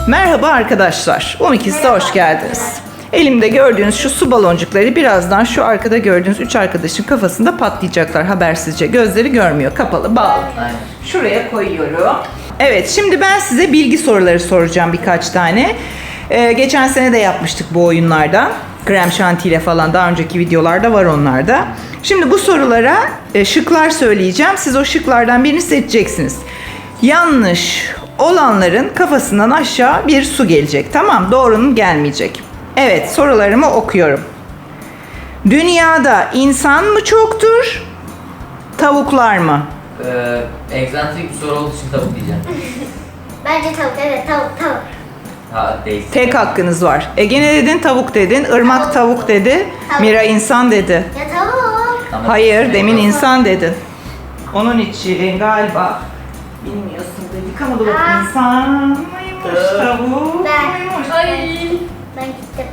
Merhaba arkadaşlar. UMİKİZ'e hoş geldiniz. Elimde gördüğünüz şu su baloncukları birazdan şu arkada gördüğünüz 3 arkadaşın kafasında patlayacaklar habersizce. Gözleri görmüyor, kapalı, bağlı. Şuraya koyuyorum. Evet, şimdi ben size bilgi soruları soracağım birkaç tane. Geçen sene de yapmıştık bu oyunlardan. Krem şantiyle falan daha önceki videolarda var onlarda. Şimdi bu sorulara şıklar söyleyeceğim. Siz o şıklardan birini seçeceksiniz. Yanlış olanların kafasından aşağı bir su gelecek. Tamam, doğrunun gelmeyecek. Evet, sorularımı okuyorum. Dünyada insan mı çoktur, tavuklar mı? Egzantrik bir soru olduğu için tavuk diyeceğim. Bence tavuk, evet tavuk. Ha değil. Tek hakkınız var. Ege ne dedin? Tavuk dedin. Irmak tavuk dedi. Tavuk. Mira insan dedi. Ya tavuk. Tamam. Hayır, demin insan dedin. Onun için galiba bilmiyorsun dedik ama dur insan mıymış, tavuk Ben. muymuş? Ben gittim.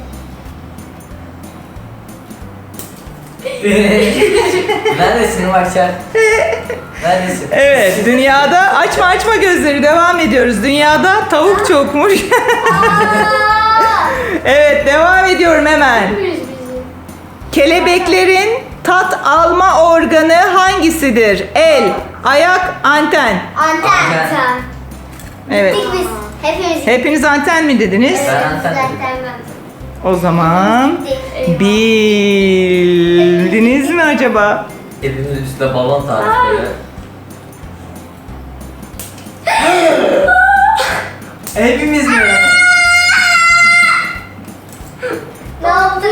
Neredesin Başar? Neredesin? Evet, dünyada açma gözleri devam ediyoruz. Dünyada tavuk çokmuş. Evet, devam ediyorum hemen. Kelebeklerin tat alma organı hangisidir? El, ayak, anten. Anten. Evet. Gittik biz. Hepimiz. Hepiniz anten mi dediniz? Ben anten dedim. O zaman bildiniz mi acaba? Elimizin üstünde balon tarzı böyle. Hepimiz mi? Ne yaptın?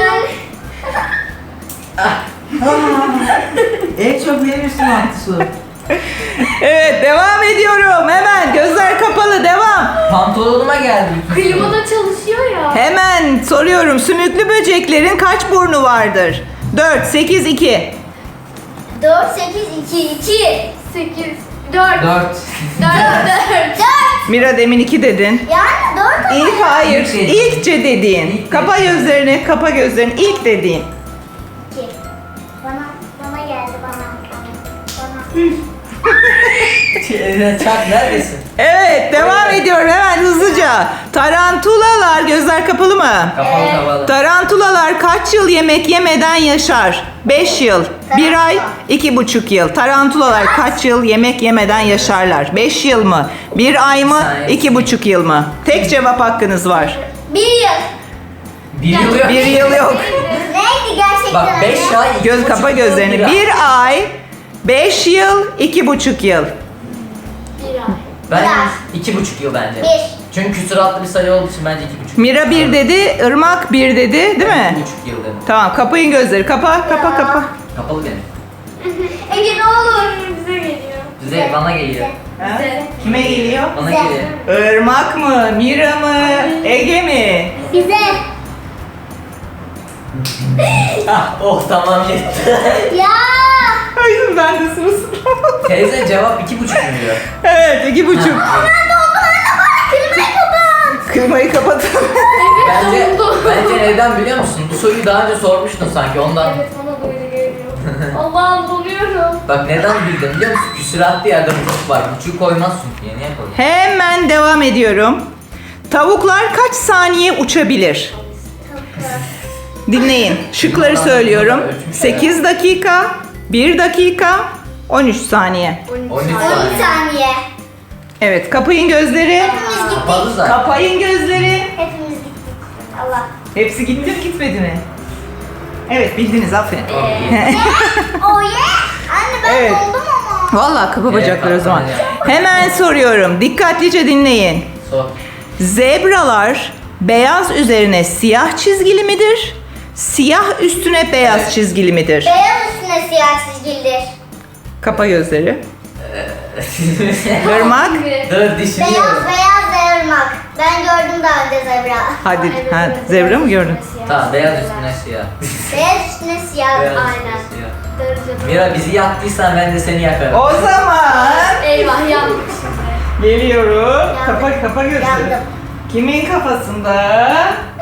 En çok verirsin mantısı. Evet, devam ediyorum. Hemen gözler kapalı, devam. Pantolonuma geldi. Klima da çalışıyor ya. Hemen soruyorum. Sümüklü böceklerin kaç burnu vardır? 4, 8, 2. 4, 8, 2, 2. 8, 4, 4, 4. 4. Mira demin 2 dedin. Yani 4 ama İlk ya. hayır. İlk dedi. İlkçe dediğin. İlk Kapa dedi. gözlerini, kapa gözlerini. İlk dediğin. 2. Bana geldi bana. Çak neredesin? Evet, devam ediyorum hemen hızlıca. Tarantulalar, gözler kapalı mı? Kapalı kapalı. Tarantulalar kaç yıl yemek yemeden yaşar? 5 yıl, 1 ay, 2,5 yıl. Tarantulalar kaç yıl yemek yemeden yaşarlar? 5 yıl mı? 1 ay mı? Saniye. 2,5 yıl mı? Tek cevap hakkınız var. 1 yıl. Bir yıl yok. 1 yıl yok. Neydi gerçekten? Bak 5 anne? ay. Göz 2,5 kapa yıl, gözlerini. bir ay. 1 ay, 5 yıl, 2,5 yıl. 1 ay. Ben Bir. 2,5 yıl bence. 1. Çünkü küsuratlı bir sayı olduğu için bence 2,5. Mira 1 dedi, Irmak 1 dedi, değil mi? 2,5 yıl dedim. Tamam, kapayın gözleri. Kapa. Kapalı benim. Ege ne olur bize geliyor. Bize bana geliyor. Ha? Bize. Kime geliyor? Bana Bize. geliyor. Irmak mı? Mira mı? Ege mi? Bize. Ah oh tamam yetti. Ya. Hayır, ben de sırası. Teyze cevap 2,5 mu diyor? Evet, 2,5. Klimayı kapat. Klimayı kapatın. Bence, Dondu. bence neden biliyor musun? Bu soruyu daha önce sormuştun sanki ondan. Evet bana da öyle geliyor. Allah'ım donuyorum. Bak neden bildin biliyor musun? Küsuratlı yerde buçuk var. Buçuğu koymaz çünkü. Niye koydun? Hemen devam ediyorum. Tavuklar kaç saniye uçabilir? Dinleyin. Şıkları söylüyorum. 8 dakika, 1 dakika, 13 saniye. 13 13 saniye. saniye. Evet, kapayın gözleri. Hepimiz gittik. Kapalı zaten. Kapayın gözleri. Hepimiz gittik. Allah. Hepsi gitti mi gitmedi mi? Evet, bildiniz, aferin. Oh yeah. Anne ben Evet. doldum ama. Vallahi kapa bacakları o Evet, zaman. kapalı. Hemen soruyorum. Dikkatlice dinleyin. Sor. Zebralar beyaz üzerine siyah çizgili midir? Siyah üstüne beyaz Evet. çizgili midir? Beyaz üstüne siyah çizgilidir. Kapa gözleri. Irmak. Dur Beyaz düşünüyorum. beyaz ırmak. Ben gördüm daha önce zebra. Hadi. Evet, Ha, evet, zebra mı gördün? Tamam beyaz üstüne siyah. Beyaz üstüne siyah. Beyaz Aynen. üstüne siyah. Darıca. Mira bizi yaktıysan ben de seni yakarım. O zaman Eyvah yandık şimdi. geliyorum. Yandım. Kapa gözleri. Yandım. Kimin kafasında?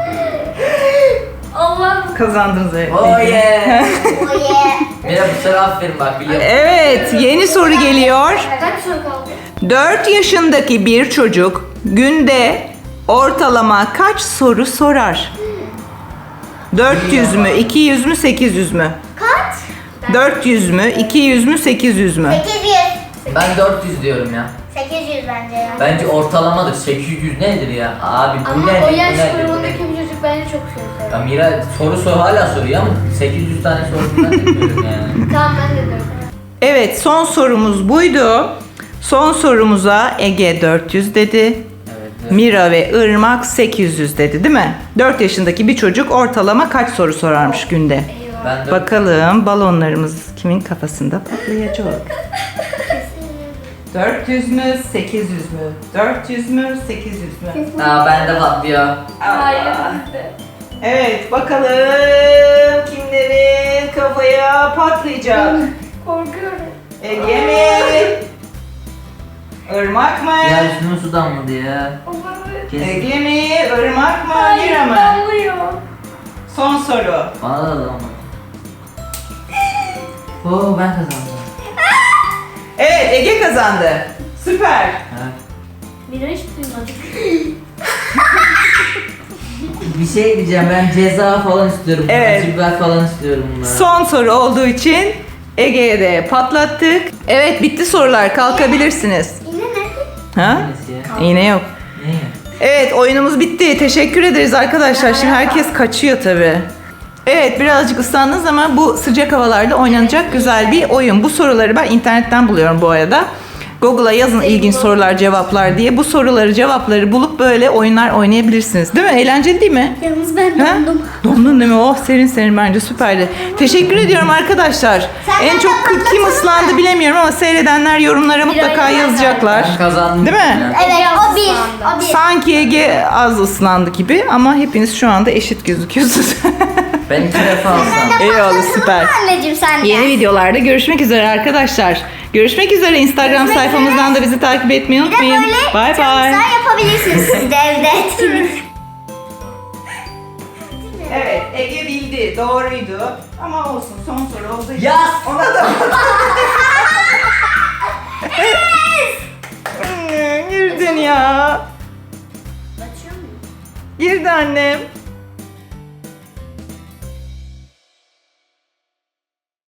Allah'ım. Kazandınız evet. Oh yeah. Oh yeah. Mira bu sefer aferin bak biliyorum. Evet, yeni soru geliyor. Kaç soru kaldı? 4 yaşındaki bir çocuk günde ortalama kaç soru sorar? 400 mü, 200 mü, 800 mü? Kaç? 400 mü, 200 mü, 800 mü? 800. Ben 400 diyorum ya. 800 bence ya. Bence ortalamadır. 800 nedir ya? Abi bu Ama nedir? o Bu yaş nedir? Bu grubundaki nedir? bir çocuk bence çok soru Ya soruyor. Mira soru hala soruyor ama 800 tane soru ben de diyorum yani. Tamam ben de diyorum. Evet, son sorumuz buydu. Son sorumuza Ege 400 dedi. Evet. Mira ve Irmak 800 dedi, değil mi? 4 yaşındaki bir çocuk ortalama kaç soru sorarmış günde? Eyvah. Ben de Bakalım balonlarımız kimin kafasında patlayacak? 400 mü, 800 mü? 400 mü, 800 mü? ben de patlıyor. Hayır Allah. bizde. Evet, bakalım kimlerin kafaya patlayacak? Korkuyorum. Ege mi? Irmak mı? Ya üstüme su damladı ya. Olabilir. Kesin. Ege mi? Irmak mı? Hayır Mira mı? damlıyor. Son soru. Bana da damladı. Oo ben kazandım. Evet, Ege kazandı. Süper. Evet. Mira hiç duymadı. Bir şey diyeceğim, ben ceza falan istiyorum. Evet. Acı biber falan istiyorum bunlara. Son soru olduğu için Ege'ye de patlattık. Evet, bitti sorular. Kalkabilirsiniz. Yine nerede? Ha? Neresi ya? İğne yok. Ne? Evet, oyunumuz bitti. Teşekkür ederiz arkadaşlar. Şimdi herkes kaçıyor tabii. Evet, birazcık ıslandınız ama bu sıcak havalarda oynanacak güzel bir oyun. Bu soruları ben internetten buluyorum bu arada. Google'a yazın ilginç sorular, cevaplar diye. Bu soruları, cevapları bulup böyle oyunlar oynayabilirsiniz. Değil mi? Eğlenceli değil mi? Yalnız ben Ha? dondum. Dondun değil mi? Oh, serin serin, bence süperdi. Teşekkür ediyorum arkadaşlar. Sen En de çok patlatsana. kim ıslandı bilemiyorum ama seyredenler yorumlara mutlaka aynen. yazacaklar. Ben kazandım. Değil mi? Evet Ege o bir. ıslandı. O bir. Sanki Ege az ıslandı gibi ama hepiniz şu anda eşit gözüküyorsunuz. Ben 2 defa alsam. Eyvallah, süper. Anneciğim sen de. Yeni videolarda görüşmek üzere arkadaşlar. Görüşmek üzere. Instagram Görüşmek sayfamızdan da bizi takip etmeyi Bir de unutmayın. böyle Bye bye. çalışmalar yapabilirsiniz siz de evde etkinlik. Evet, Ege bildi. Doğruydu. Ama olsun, son soru olduğu için. Yaz! Ona da Girdin ya. Açıyor muyum? Girdi annem.